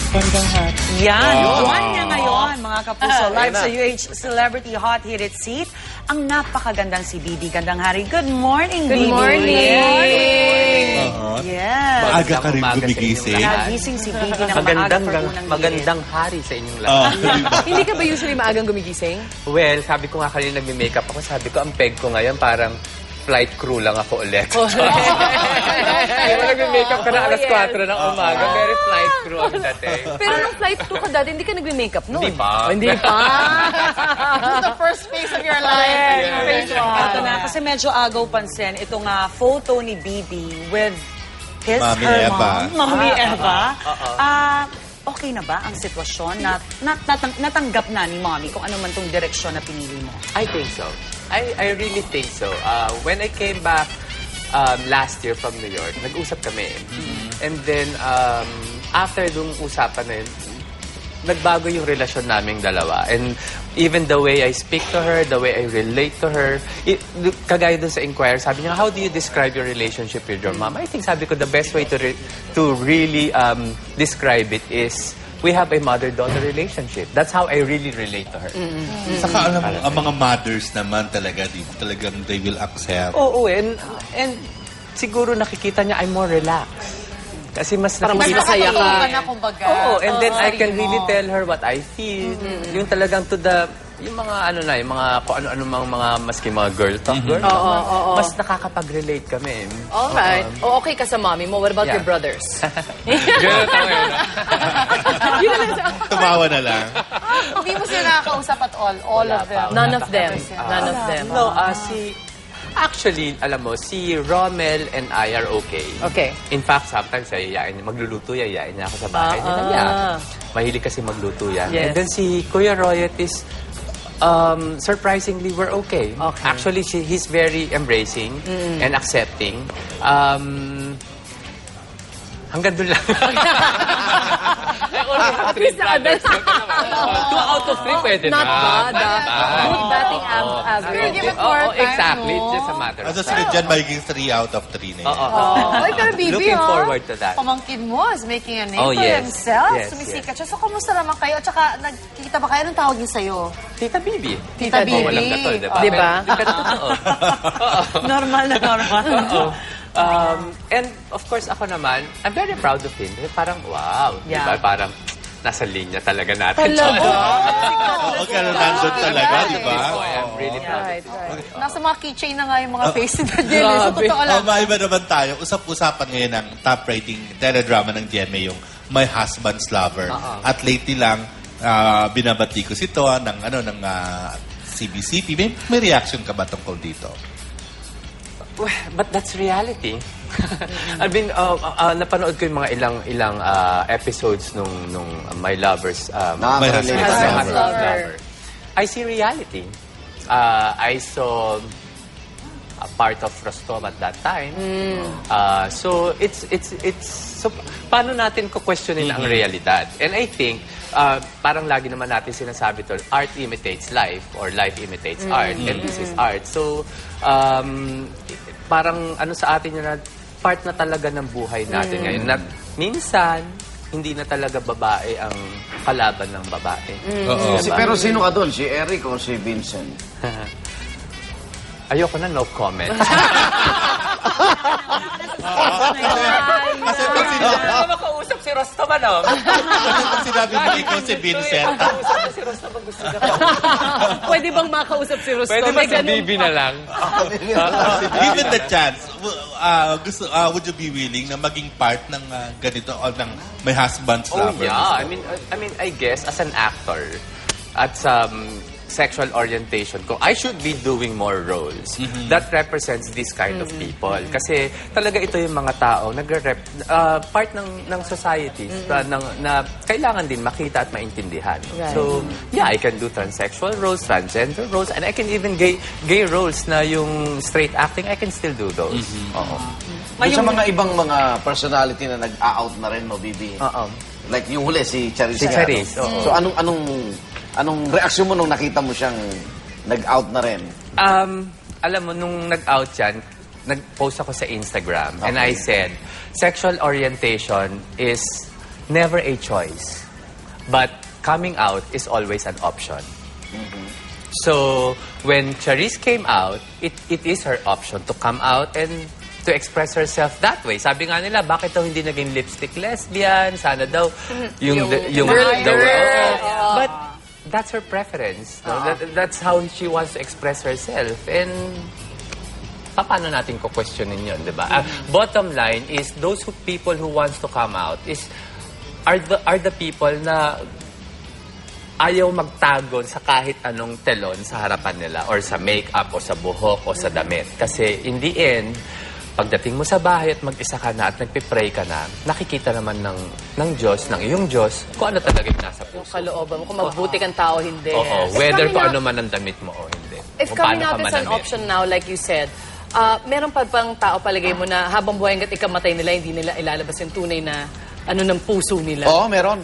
Bandang hat. Yan, buwan niya ngayon, mga kapuso. Live sa UH Celebrity Hot Hit It Seat, ang napakagandang si Bibi. Gandang hari. Good morning, Bibi. Good morning. Yes. Maaga ka rin gumigising. Nagising si Bibi ng maaga for unang Magandang hari sa inyong lahat. Hindi ka ba usually maagang gumigising? Well, sabi ko nga kanina nagme-makeup ako. Sabi ko, ang peg ko ngayon parang flight crew lang ako ulit. Di ba nagme-makeup ka na alas 4 ng umaga? Very flight crew ang dating. Pero nung flight crew ka dati, hindi ka nagme-makeup noon. Hindi pa. Hindi pa. The first phase of your life. Phase Ito na, kasi medyo agaw pansin. Itong photo ni Bibi with Mami her Eva. mom, Mami Eva. Okay na ba ang sitwasyon na natanggap na ni Mommy kung ano man tong direksyon na pinili mo? I think so. I really think so. When I came back last year from New York, nag-usap kami. And then, after dung usapan na yun, nagbago yung relasyon naming dalawa. And even the way I speak to her, the way I relate to her, kagaya dun sa inquiry, sabi niya, how do you describe your relationship with your mom? I think sabi ko, the best way to really describe it is, we have a mother-daughter relationship. That's how I really relate to her. Saka alam mo, ang mga mothers naman talaga, talagang they will accept. Oo, and siguro nakikita niya I'm more relaxed. Kasi mas Parang mas nakikita masaya ka. na, kumbaga. Oo, and then I can sarili really mo. tell her what I feel. Yung talagang to the, yung mga ano na, yung mga kung ano-ano mga maski mga girl talk, mas nakakapag-relate kami. Alright. O okay ka sa mommy mo. What about Yeah. your brothers? Girl talk, Tumawa na lang. Hindi mo sila nakakausap at all. All of them. None of them. None of them. No, actually, alam mo, si Rommel and I are okay. Okay. In fact, sometimes yayain niya, magluluto, yayain niya ako sa bahay. Mahilig kasi magluto yan. Yes. And then si Kuya Royet is, surprisingly, we're okay. Okay. Actually, he's very embracing and accepting. Hanggang doon lang. At least na-advance. 2 out of 3 pwede na. Not bad. Good batting average. Give it more time, Exactly. no? It's just a matter of Ano sila dyan, magiging 3 out of 3 na yun. Oy, pero Bibi, Looking forward to that. Pamangkin mo is making a name Oh, for yes. himself. Yes, Sumisikat siya. So, kumusta naman kayo? At saka, nagkikita ba kayo? Anong tawag niya sa'yo? Tita Bibi. Tita Bibi. Walang katol, diba? Diba? Pero totoo. Normal na normal. And of course, ako naman, I'm very proud of him. Kasi parang, wow. Yeah. Diba? Parang, nasa linya talaga natin. Oo, kaya nandun talaga, di ba? I'm really proud of Right, him. right. Nasa mga keychain na nga yung mga face ni Daniel. Sa totoo lang. Maiba naman tayo. Usap-usapan ngayon ng top rating teledrama ng GMA, yung My Husband's Lover. At lately lang, binabati ko si Toa ng CBCP. May reaction ka ba tungkol dito? Well, but that's reality. I mean, napanood ko yung mga ilang episodes nung My Lover's My Husband's Lover. I see reality. I saw a part of Rostov at that time. So so paano natin ko questionin ang realidad? And I think parang lagi naman natin sinasabi to, art imitates life or life imitates art, and this is art. So parang ano sa atin yun na part na talaga ng buhay natin ngayon. Na minsan, hindi na talaga babae ang kalaban ng babae. Oo. Pero sino ka doon? Si Eric o si Vincent? Ayoko na, no comment. Kasi pag sinabi, makausap si Rostom, ano? pag sinabi mo ikaw si Vincent, Si Rostom ang gusto niya. Pwede bang makausap si Rostom? Pwede ba May si ganun Bibi pa. na lang? given the chance, would you be willing na maging part ng ganito o ng My Husband's Oh Lover? yeah, I mean, I guess as an actor at some sexual orientation ko, I should be doing more roles that represents this kind of people. Kasi talaga ito yung mga tao part ng society na kailangan din makita at maintindihan. Right. So, yeah, I can do transsexual roles, transgender roles, and I can even gay roles na yung straight acting, I can still do those. Oo. Doon sa mga ibang mga personality na nag-out na rin, no, Bibi? Like yung huli, si Charisse. Si Charisse, oo. So anong reaksyon mo nung nakita mo siyang nag-out na rin? Alam mo, nung nag-out yan, nag-post ako sa Instagram. And I said, sexual orientation is never a choice. But coming out is always an option. So, when Charisse came out, it is her option to come out and to express herself that way. Sabi nga nila, bakit daw hindi naging lipstick lesbian? Sana daw yung But that's her preference. No? That's how she wants to express herself. And paano natin ko-questionin yun, di ba? Bottom line is, those people who wants to come out are the people na ayaw magtagon sa kahit anong telon sa harapan nila or sa makeup o sa buhok o sa damit. Kasi in the end, pagdating mo sa bahay at mag-isa ka na at nagpipray ka na, nakikita naman ng Diyos, ng iyong Diyos, kung ano talaga yung nasa Yung puso. kalooban mo, kung magbuti kang tao, hindi. Oo, whether kung ano man ang damit mo o hindi. If Kung coming paano out ka is an manamit. option now, like you said, meron pa bang tao palagay mo na habang buhay hanggat ikamatay nila, hindi nila ilalabas yung tunay na ano ng puso nila? Oo, meron.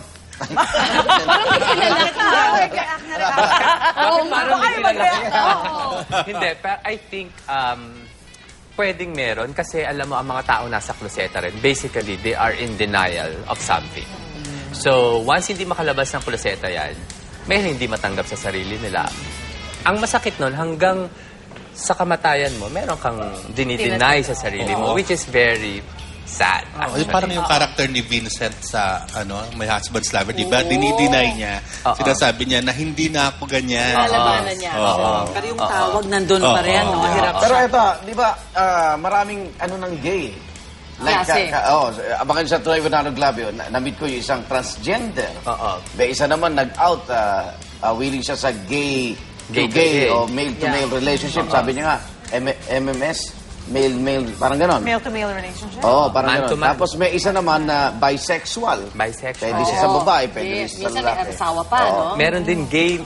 Hindi, pero I think pwedeng meron kasi alam mo ang mga tao nasa kloseta rin. Basically, they are in denial of something. So, once hindi makalabas ng kloseta yan, may hindi matanggap sa sarili nila. Ang masakit nun, hanggang sa kamatayan mo, meron kang dinideny sa sarili mo, which is very sad. Yung parang yung character ni Vincent sa My Husband's Lover, di ba? Dinideny niya. Sinasabi niya na hindi na ako ganyan. Lalabanan niya. Pero yung tawag nandun pa rin, no? Hirap Pero siya. ito, di ba, maraming ng gay. Like, Klase. abakan sa Troy Venado Glavio, na-meet ko yung isang transgender. May isa naman nag-out, willing siya sa gay Gay to to gay gay. o male-to-male relationship. Sabi niya nga, MMS, male-male, parang ganon. Male-to-male relationship? Oo, parang Man to ganon. man. Tapos may isa naman na bisexual. Bisexual. Pwede siya sa babae, pwede rin siya sa Minsan lalaki. may asawa pa, no? Meron din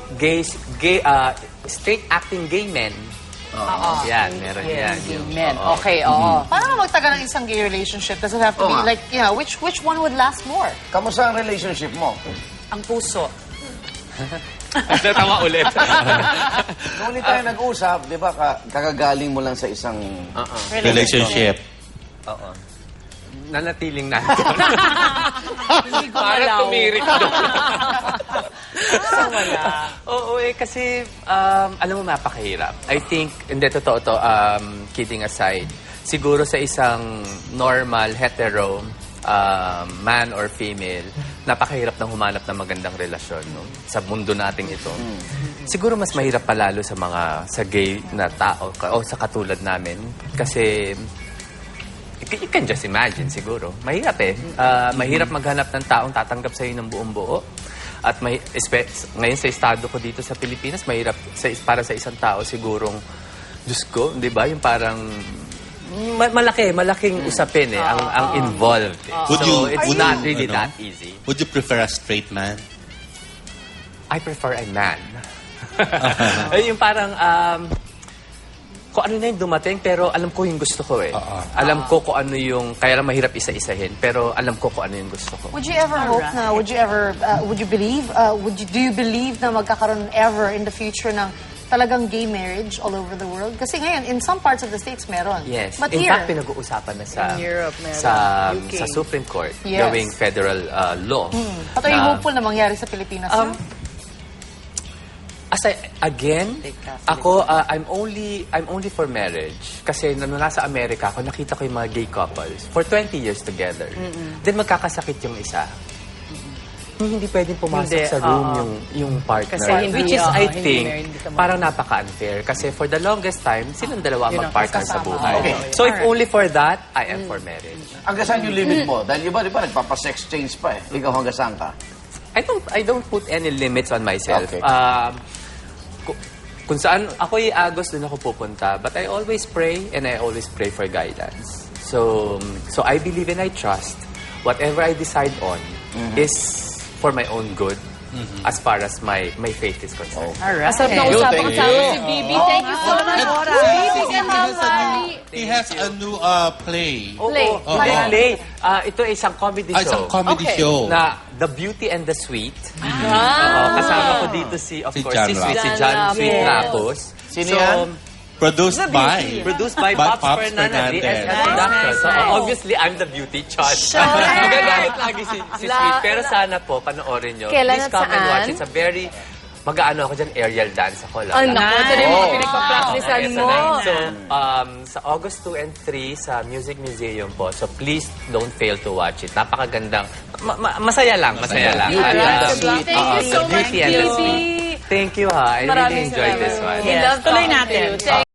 straight acting gay men. Yan, meron yan. Gay men. Okay, oo. Paano magtagal ng isang gay relationship? Does it have to Oo be nga. like, which one would last more? Kamusta ang relationship mo? Ang puso. Tama ulit. Noong ulit tayo nag-usap, di ba, kakagaling mo lang sa isang... Relationship. Oo. Nanatiling nandun. Hindi Para gumalaw. tumirik doon. So, wala. Oo, kasi, alam mo, napakahirap. I think, hindi, totoo to, kidding aside, siguro sa isang normal, hetero, man or female, napakahirap ng humanap ng magandang relasyon no? Sa mundo nating ito. Siguro mas mahirap palalo sa gay na tao o sa katulad namin. Kasi, you can just imagine siguro. Mahirap mahirap maghanap ng taong tatanggap sa'yo ng buong buo. At ngayon sa estado ko dito sa Pilipinas, mahirap para sa isang tao sigurong, Diyos ko, di ba? Yung parang malaking usapin ang involved. It's not really that easy. Would you prefer a straight man? I prefer a man. Yung parang, kung ano na yung dumating, pero alam ko yung gusto ko Alam ko kung ano yung, kaya lang mahirap isa-isahin, pero alam ko kung ano yung gusto ko. Would you ever hope na, would you believe, do you believe na magkakaroon ever in the future ng talagang gay marriage all over the world? Kasi ngayon, in some parts of the States, meron. Yes. But In here, fact, pinag-uusapan na sa In Europe, meron. UK. sa Supreme Court, Yes. gawing federal law. at are you hopeful na mangyari sa Pilipinas yun? Again, ako, I'm only for marriage. Kasi nung nasa Amerika ako, nakita ko yung mga gay couples for 20 years together. Then magkakasakit yung isa. Hindi pwedeng pumasok Hindi, sa room yung partner. Kasi hindi, Which is, I hindi think, married, hindi ka parang napaka-unfair. Kasi for the longest time, silang dalawa Yun ang ang mag-partner sa kasama. buhay. Okay. So if only for that, I am for marriage. Hanggang saan yung limit mo? Dahil iba, di ba, nagpapasex change pa Ikaw hanggang saan ka? I don't put any limits on myself. Okay. Kung saan ako i-agos, doon ako pupunta. But I always pray and I always pray for guidance. So I believe and I trust whatever I decide on is for my own good as far as my faith is concerned. Alright. Asap na Thank you, usapan thank kasama you. si Bibi. Thank you so much. Bibi Kamamari. He has a new play. Play. Play. Ito ay isang comedy show. Isang comedy Okay. show. Na The Beauty and the Sweet. Kasama ko dito si Si John John Lapus. Sweet Rapos. Sino yan? Produced by. Produced by Pops Fernandez as production. So, obviously, I'm the beauty choice. Magagalit lagi si Sweet. Pero sana po, panoorin nyo. Kailan Please at come and saan? watch. It's a very... Mag-ano ako dyan, aerial dance ako lang. Ang naku, ito na yung mga pinagpa-practicean Okay, mo. So, sa August 2 and 3 sa Music Museum po. So, please don't fail to watch it. Napakagandang... masaya lang, masaya lang. Beauty and the Sweet. Thank you so much, Beauty and the Beauty. Sweet. Thank you, ha. I really Maraming enjoyed salamat. this one. We love Tuloy talking to natin. you. Thank